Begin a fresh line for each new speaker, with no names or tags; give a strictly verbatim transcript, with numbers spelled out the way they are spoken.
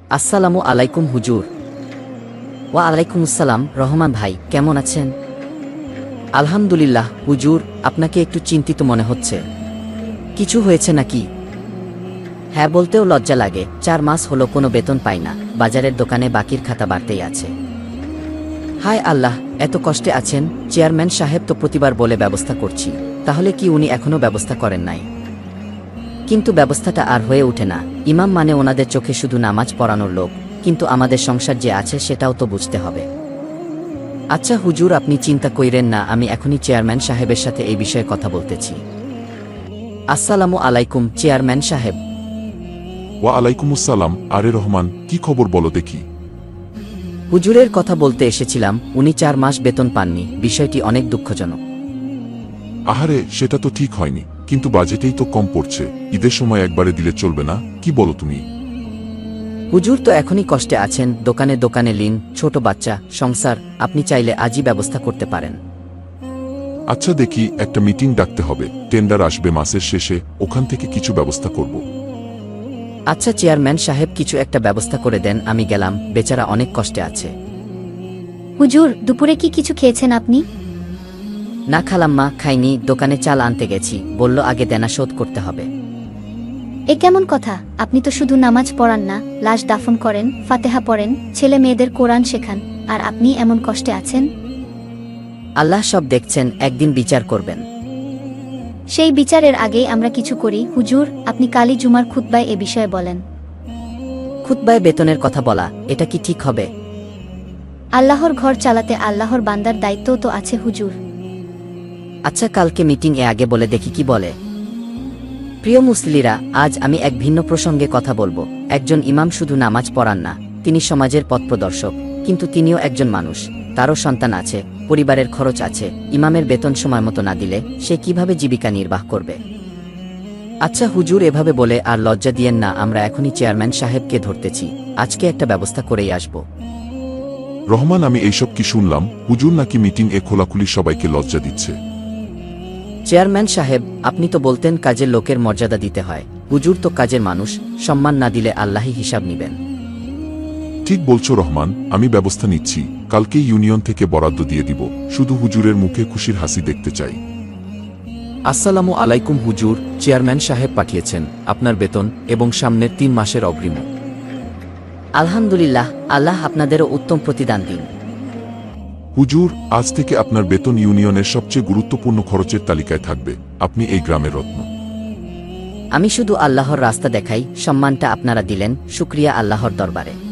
আসসালামু আলাইকুম হুজুর। ওয়া আলাইকুম আসসালাম। রহমান ভাই কেমন আছেন? আলহামদুলিল্লাহ হুজুর, আপনাকে একটু চিন্তিত মনে হচ্ছে। কিছু হয়েছে নাকি? হ্যাঁ বলতেও লজ্জা লাগে, চার মাস হলো কোনো বেতন পাই না, বাজারের দোকানে বাকির খাতা বাড়তেই আছে। হায় আল্লাহ, এত কষ্টে আছেন। চেয়ারম্যান সাহেব তো প্রতিবার বলে ব্যবস্থা করছি, তাহলে কি উনি এখনও ব্যবস্থা করেন নাই? কিন্তু ব্যবস্থাটা আর হয়ে ওঠে না। ইমাম মানে ওনাদের চোখে শুধু নামাজ পড়ানোর লোক, কিন্তু আমাদের সংসার যে আছে সেটাও তো বুঝতে হবে। আচ্ছা হুজুর, আপনি চিন্তা কইরেন না, আমি এখনই চেয়ারম্যান সাহেবের সাথে এই বিষয়ে কথা বলতেছি। আসসালামু আলাইকুম চেয়ারম্যান সাহেব।
ওয়া আলাইকুমুসসালাম। আরে রহমান, কি খবর বলো দেখি।
হুজুরের কথা বলতে এসেছিলাম, উনি চার মাস বেতন পাননি, বিষয়টি অনেক দুঃখজনক।
আহারে, সেটা তো ঠিক হয়নি, কিন্তু বাজেটেই তো কম পড়ছে। ঈদের সময় একবারে দিলে চলবে না, কি বলো তুমি?
হুজুর তো এখনই কষ্টে আছেন, দোকানে দোকানে লিন, ছোট বাচ্চা, সংসার। আপনি চাইলে আজই ব্যবস্থা করতে পারেন।
আচ্ছা দেখি, একটা মিটিং ডাকতে হবে, টেন্ডার আসবে মাসের শেষে, ওখান থেকে কিছু ব্যবস্থা করব।
আচ্ছা চেয়ারম্যান সাহেব, কিছু একটা ব্যবস্থা করে দেন, আমি গেলাম, বেচারা অনেক কষ্টে আছে।
হুজুর, দুপুরে কি কিছু খেয়েছেন আপনি?
না খালাম্মা, খাইনি, দোকানে চাল আনতে গেছি, বলল আগে দেনা শোধ করতে হবে।
এ কেমন কথা? আপনি তো শুধু নামাজ পড়ান না, লাশ দাফন করেন, ফাতেহা পড়েন, ছেলে মেয়েদের কোরআন শেখান, আর আপনি এমন কষ্টে আছেন?
আল্লাহ সব দেখছেন, একদিন বিচার করবেন।
সেই বিচারের আগেই আমরা কিছু করি। হুজুর, আপনি কালী জুমার খুতবায় এ বিষয়ে বলেন।
খুতবায় বেতনের কথা বলা, এটা কি ঠিক হবে?
আল্লাহর ঘর চালাতে আল্লাহর বান্দার দায়িত্বও তো আছে হুজুর।
আচ্ছা, কালকে মিটিং এ আগে বলে দেখি কি বলে। প্রিয় মুসলিরা, আজ আমি এক ভিন্ন প্রসঙ্গে কথা বলবো। একজন ইমাম শুধু নামাজ পড়ান না, তিনি সমাজের পথপ্রদর্শক। কিন্তু তিনিও একজন মানুষ, তারও সন্তান আছে, পরিবারের খরচ আছে। ইমামের বেতন সময় মতো না দিলে সে কিভাবে জীবিকা নির্বাহ করবে? আচ্ছা হুজুর, এভাবে বলে আর লজ্জা দিয়েন না, আমরা এখনই চেয়ারম্যান সাহেবকে ধরতেছি, আজকে একটা ব্যবস্থা করেই আসব।
রহমান, আমি এইসব কি শুনলাম? হুজুর নাকি মিটিং এ খোলাখুলি সবাইকে লজ্জা দিচ্ছে?
চেয়ারম্যান সাহেব, আপনি তো বলতেন কাজের লোকের মর্যাদা দিতে হয়। হুজুর তো কাজের মানুষ, সম্মান না দিলে আল্লাহই হিসাব নিবেন।
ঠিক বলছো রহমান, আমি ব্যবস্থা নিচ্ছি, কালকেই ইউনিয়ন থেকে বরাদ্দ দিয়ে দিব। শুধু হুজুরের মুখে খুশির হাসি দেখতে চাই।
আসসালামু আলাইকুম হুজুর, চেয়ারম্যান সাহেব পাঠিয়েছেন আপনার বেতন এবং সামনের তিন মাসের অগ্রিম।
আলহামদুলিল্লাহ, আল্লাহ আপনাদেরও উত্তম প্রতিদান দিন।
হুজুর, আজ থেকে আপনার বেতন ইউনিয়নের সবচেয়ে গুরুত্বপূর্ণ খরচের তালিকায় থাকবে। আপনি এই গ্রামের রত্ন।
আমি শুধু আল্লাহর রাস্তা দেখাই, সম্মানটা আপনারা দিলেন, শুকরিয়া আল্লাহর দরবারে।